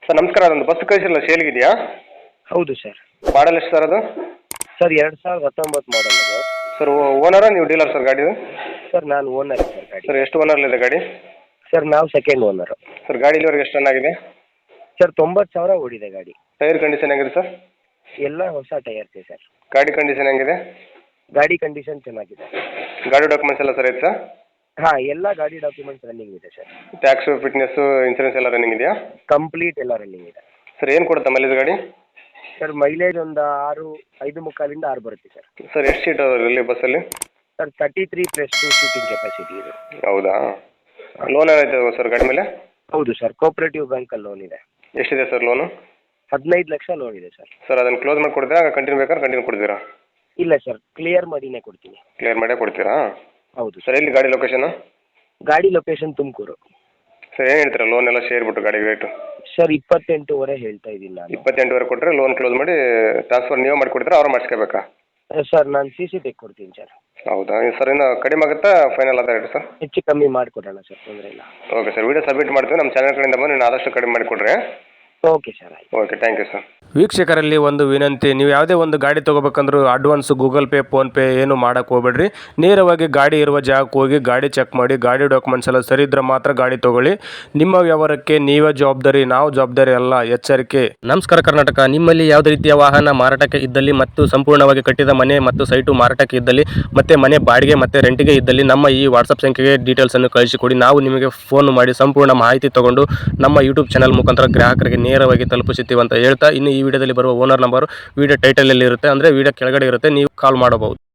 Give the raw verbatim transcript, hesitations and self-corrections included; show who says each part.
Speaker 1: Sir ನಮಸ್ಕಾರ, ಅದೊಂದು bus ಕಳಿಸಿಲ್ಲ ಸೇಲ್ಗಿದೆಯಾ?
Speaker 2: ಹೌದು ಸರ್.
Speaker 1: ಮಾಡಲ್ ಎಷ್ಟು ಸರ್ ಅದು?
Speaker 2: ಸರ್ ಎರಡು ಸಾವಿರದ ಹತ್ತೊಂಬತ್ತು ಮಾಡಲ್ ಅದು.
Speaker 1: ಸರ್ ಓನರಾ ನೀವು ಡೀಲರ್ ಸರ್ ಗಾಡಿದು?
Speaker 2: ಸರ್ ನಾನು ಓನರ್ ಸರ್ ಗಾಡಿ.
Speaker 1: ಸರ್ ಎಷ್ಟು ಓನರ್ಲಿದೆ ಗಾಡಿ?
Speaker 2: ಸರ್ ನಾವು ಸೆಕೆಂಡ್ ಓನರು.
Speaker 1: ಸರ್ ಗಾಡಿ ಇಲ್ಲಿವರೆಗೆ ಎಷ್ಟು ರನ್ ಆಗಿದೆ?
Speaker 2: ಸರ್ ತೊಂಬತ್ತು ಸಾವಿರ ಓಡಿದೆ ಗಾಡಿ.
Speaker 1: ಟೈರ್ ಕಂಡೀಷನ್ ಹೆಂಗಿದೆ ಸರ್?
Speaker 2: ಎಲ್ಲ ಹೊಸ ಟೈರ್ಸೇ ಸರ್.
Speaker 1: ಗಾಡಿ ಕಂಡೀಷನ್ ಹೆಂಗಿದೆ?
Speaker 2: ಗಾಡಿ ಕಂಡೀಷನ್ ಚೆನ್ನಾಗಿದೆ.
Speaker 1: ಗಾಡಿ ಡಾಕ್ಯುಮೆಂಟ್ಸ್ ಎಲ್ಲ ಸರ್ ಐತೆ ಸರ್?
Speaker 2: ಹಾಂ, ಎಲ್ಲ ಗಾಡಿ ಡಾಕ್ಯುಮೆಂಟ್ಸ್ ರನ್ನಿಂಗ್ ಇದೆ ಸರ್.
Speaker 1: ಟ್ಯಾಕ್ಸು, ಫಿಟ್ನೆಸ್ಸು, ಇನ್ಸೂರೆನ್ಸ್ ಎಲ್ಲ ರನ್ನಿಂಗ್ ಇದೆಯಾ?
Speaker 2: ಕಂಪ್ಲೀಟ್ ಎಲ್ಲ ರನ್ನಿಂಗ್ ಇದೆ.
Speaker 1: ಸರ್ ಏನು ಕೊಡುತ್ತೆ ಮೈಲೇಜ್ ಗಾಡಿ?
Speaker 2: ಸರ್ ಮೈಲೇಜ್ ಒಂದು ಆರು ಐದು ಮುಕ್ಕಾಲಿಂದ ಆರು ಬರುತ್ತೆ ಸರ್.
Speaker 1: ಸರ್ ಎಷ್ಟು ಸೀಟ್ ಇಲ್ಲಿ ಬಸ್ಸಲ್ಲಿ?
Speaker 2: Sir thirty three plus two seating capacity ಇದೆ.
Speaker 1: ಹೌದಾ? ಲೋನ್ ಏನಾಯ್ತು ಸರ್ ಗಾಡಿ ಮೇಲೆ?
Speaker 2: ಹೌದು ಸರ್, ಕೋಆಪರೇಟಿವ್ ಬ್ಯಾಂಕಲ್ಲಿ ಲೋನ್ ಇದೆ.
Speaker 1: ಎಷ್ಟಿದೆ ಸರ್ ಲೋನು?
Speaker 2: ಹದಿನೈದು ಲಕ್ಷ ಲೋನ್ ಇದೆ ಸರ್.
Speaker 1: ಸರ್ ಅದನ್ನು ಕ್ಲೋಸ್ ಮಾಡಿ ಕೊಡ್ತೀರಾ, ಕಂಟಿನ್ಯೂ ಬೇಕಾದ್ರೆ ಕಂಟಿನ್ಯೂ ಕೊಡ್ತೀರಾ?
Speaker 2: ಇಲ್ಲ ಸರ್, ಕ್ಲಿಯರ್ ಮಾಡಿನೇ ಕೊಡ್ತೀನಿ.
Speaker 1: ಕ್ಲಿಯರ್ ಮಾಡೇ ಕೊಡ್ತೀರಾ?
Speaker 2: ಹೌದು
Speaker 1: ಸರ್. ಎಲ್ಲಿ ಗಾಡಿ ಲೊಕೇಶನ್?
Speaker 2: ಗಾಡಿ ಲೊಕೇಶನ್ ತುಮಕೂರು.
Speaker 1: ಸರ್ ಏನು ಹೇಳ್ತೀರಾ ಲೋನ್ ಎಲ್ಲ ಶೇರ್ ಬಿಟ್ಟು ಗಾಡಿ ರೇಟು?
Speaker 2: ಸರ್ ಇಪ್ಪತ್ತೆಂಟುವರೆ ಹೇಳ್ತಾ ಇದ್ದೀನಿ ನಾನು.
Speaker 1: ಇಪ್ಪತ್ತೆಂಟುವರೆ ಕೊಟ್ಟರೆ ಲೋನ್ ಕ್ಲೋಸ್ ಮಾಡಿ ಟ್ರಾನ್ಸ್ಫರ್ ನೀವೇ ಮಾಡಿ ಕೊಡ್ತೀರಾ, ಅವ್ರು ಮಾಡಿಸ್ಕೋಬೇಕಾ?
Speaker 2: ಸರ್ ನಾನು ಸಿ ಸಿ ತೆಗೆ ಕೊಡ್ತೀನಿ ಸರ್.
Speaker 1: ಹೌದಾ? ಸರ್ ಇನ್ನು ಕಡಿಮೆ ಆಗುತ್ತಾ ಫೈನಲ್ ಆದ ರೇಟ್ ಸರ್?
Speaker 2: ಹೆಚ್ಚು ಕಮ್ಮಿ ಮಾಡಿಕೊಡೋಣ ಸರ್, ತೊಂದರೆ ಇಲ್ಲ.
Speaker 1: ಓಕೆ ಸರ್, ವಿಡಿಯೋ ಸಬ್ಮಿಟ್ ಮಾಡ್ತೀವಿ. ನಮ್ಮ ಚಾನಲ್ ಕಡೆಯಿಂದ ಬಂದು ನೀವು ಆದಷ್ಟು ಕಡಿಮೆ ಮಾಡಿಕೊಡ್ರಿ.
Speaker 2: ಓಕೆ ಸರ್, ಆಯ್ತು.
Speaker 1: Okay, thank you sir.
Speaker 3: ವೀಕ್ಷಕರಲ್ಲಿ ಒಂದು ವಿನಂತಿ, ನೀವು ಯಾವುದೇ ಒಂದು ಗಾಡಿ ತೊಗೋಬೇಕಂದ್ರೂ ಅಡ್ವಾನ್ಸ್ ಗೂಗಲ್ ಪೇ ಫೋನ್ಪೇ ಏನು ಮಾಡೋಕ್ಕೆ ಹೋಗ್ಬೇಡ್ರಿ. ನೇರವಾಗಿ ಗಾಡಿ ಇರುವ ಜಾಗಕ್ಕೆ ಹೋಗಿ ಗಾಡಿ ಚೆಕ್ ಮಾಡಿ, ಗಾಡಿ ಡಾಕ್ಯುಮೆಂಟ್ಸ್ ಎಲ್ಲ ಸರಿ ಇದ್ರೆ ಮಾತ್ರ ಗಾಡಿ ತೊಗೊಳ್ಳಿ. ನಿಮ್ಮ ವ್ಯವಹಾರಕ್ಕೆ ನೀವೇ ಜವಾಬ್ದಾರಿ, ನಾವು ಜವಾಬ್ದಾರಿ ಅಲ್ಲ, ಎಚ್ಚರಿಕೆ. ನಮಸ್ಕಾರ ಕರ್ನಾಟಕ. ನಿಮ್ಮಲ್ಲಿ ಯಾವುದೇ ರೀತಿಯ ವಾಹನ ಮಾರಾಟಕ್ಕೆ ಇದ್ದಲ್ಲಿ ಮತ್ತು ಸಂಪೂರ್ಣವಾಗಿ ಕಟ್ಟಿದ ಮನೆ ಮತ್ತು ಸೈಟು ಮಾರಾಟಕ್ಕೆ ಇದ್ದಲ್ಲಿ ಮತ್ತು ಮನೆ ಬಾಡಿಗೆ ಮತ್ತು ರೆಂಟಿಗೆ ಇದ್ದಲ್ಲಿ ನಮ್ಮ ಈ ವಾಟ್ಸಪ್ ಸಂಖ್ಯೆಗೆ ಡೀಟೇಲ್ಸನ್ನು ಕಳಿಸಿಕೊಡಿ. ನಾವು ನಿಮಗೆ ಫೋನ್ ಮಾಡಿ ಸಂಪೂರ್ಣ ಮಾಹಿತಿ ತಗೊಂಡು ನಮ್ಮ ಯೂಟ್ಯೂಬ್ ಚಾನಲ್ ಮುಖಾಂತರ ಗ್ರಾಹಕರಿಗೆ ನೇರವಾಗಿ ತಲುಪಿಸುತ್ತೀವಿ ಅಂತ ಹೇಳ್ತಾ, ಇನ್ನು ಈ ವಿಡಿಯೋದಲ್ಲಿ ಬರುವ ಓನರ್ ನಂಬರ್ ವಿಡಿಯೋ ಟೈಟಲಲ್ಲಿ ಇರುತ್ತೆ, ಅಂದರೆ ವಿಡಿಯೋ ಕೆಳಗಡೆ ಇರುತ್ತೆ, ನೀವು ಕಾಲ್ ಮಾಡಬಹುದು.